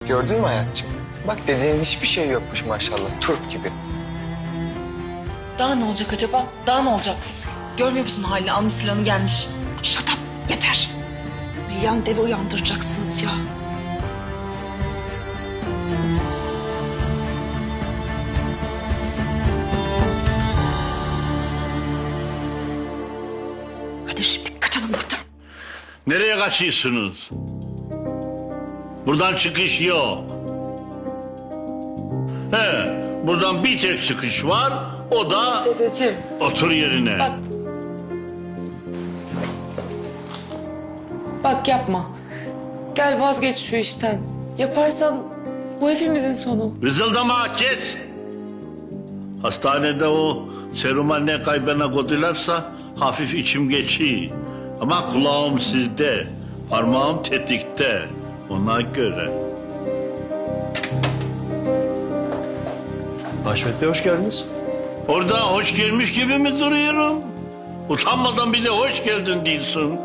gördün mü hayatçığım? Bak dediğin hiçbir şey yokmuş maşallah. Turp gibi. Daha ne olacak acaba? Daha ne olacak? Görmüyor musun halini? Almış silahını gelmiş. Shut up, yeter. Yan devi uyandıracaksınız ya. Hadi şimdi kaçalım buradan. Nereye kaçıyorsunuz? Buradan çıkış yok. Buradan bir tek çıkış var. O da Dedeciğim. otur yerine. Bak. Bak yapma. Gel vazgeç şu işten. Yaparsan bu hepimizin sonu. Vızıldama kes. Hastanede o seruma ne kaybına koydularsa hafif içim geçiyor. Ama kulağım sizde, parmağım tetikte. Ona göre. Haşmet Bey hoş geldiniz. Orada hoş gelmiş gibi mi duruyorum? Utanmadan bir de hoş geldin diyorsun.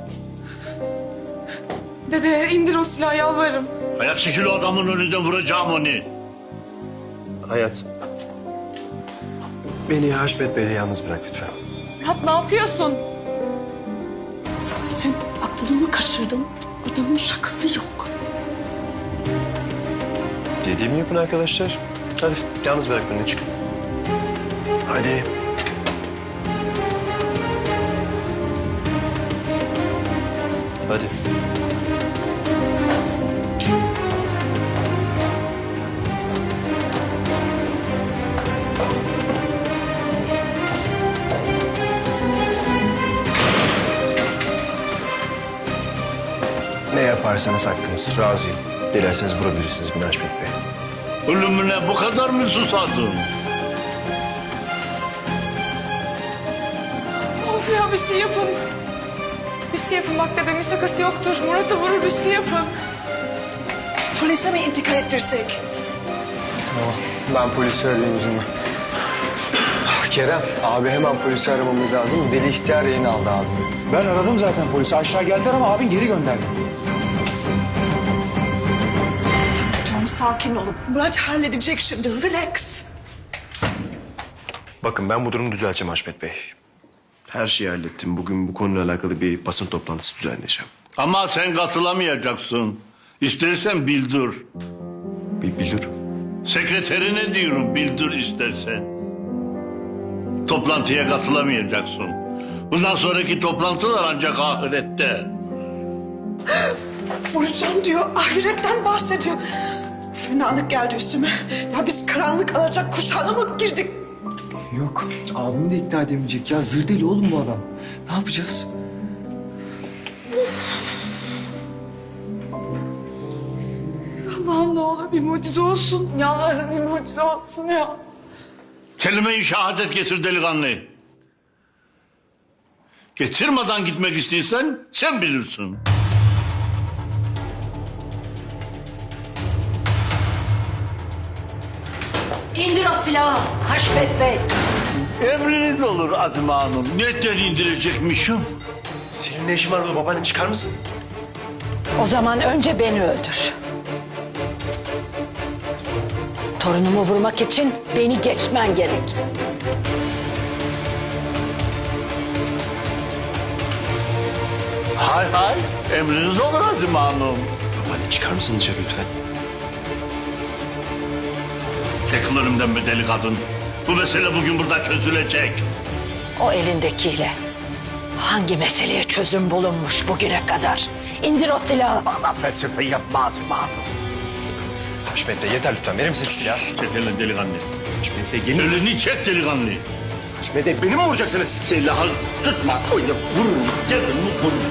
Dede indir o silahı yalvarırım. Hayat çekil o adamın önünden vuracağım onu. Hayat. Beni Haşmet Bey'le yalnız bırak lütfen. Murat ne yapıyorsun? Sen aklını mı kaçırdın? Adamın şakası yok. Dediğimi yapın arkadaşlar. Hadi yalnız bırak beni çık. Hadi. Hadi. Ne yaparsanız hakkınız. Razıyım. Dilerseniz vurabilirsiniz beni Haşmet Bey. Ölümüne bu kadar mı susadın? Of ya bir şey yapın. Bir şey yapın bak dedemin şakası yoktur. Murat'ı vurur bir şey yapın. Polise mi intikal ettirsek? Ben polisi arayayım üzülme. Kerem, abi hemen polisi aramamız lazım. Bu deli ihtiyar yayını aldı abi. Ben aradım zaten polisi. Aşağı geldiler ama abin geri gönderdi. Tamam sakin olun. Murat halledecek şimdi. Relax. Bakın ben bu durumu düzelteceğim Haşmet Bey. Her şeyi hallettim. Bugün bu konuyla alakalı bir basın toplantısı düzenleyeceğim. Ama sen katılamayacaksın. İstersen bildir. Bildir. Sekreterine diyorum bildir istersen. Toplantıya katılamayacaksın. Bundan sonraki toplantılar ancak ahirette. Vuracağım diyor. Ahiretten bahsediyor. Fenalık geldi üstüme. Ya biz karanlık alacak kuşağına mı girdik? Yok. Abimi de ikna edemeyecek ya. Zır deli oğlum bu adam. Ne yapacağız? Allah'ım ne olur bir mucize olsun. Yalvarırım bir mucize olsun ya. Kelime-i şehadet getir delikanlı. Getirmeden gitmek istiyorsan sen bilirsin. İndir o silahı Haşmet Bey. Emriniz olur Azime Hanım. Netten indirecekmişim? Senin ne işin var burada? Babaannem çıkar mısın? O zaman önce beni öldür. Torunumu vurmak için beni geçmen gerek. Hay hay. Emriniz olur Azime Hanım. Babaanne çıkar mısın dışarı lütfen? Çekil önümden be deli kadın. Bu mesele bugün burada çözülecek. O elindekiyle hangi meseleye çözüm bulunmuş bugüne kadar? İndir o silahı. Bana felsefe yapma Azime Hanım. Haşmet Bey yeter lütfen. Verir misin şu silahı? Çek elini delikanlı. Haşmet Bey yeni... Elini çek delikanlı. Haşmet Bey beni mi vuracaksınız? Silahı tutma. Öyle vururum. Dedim mi vururum.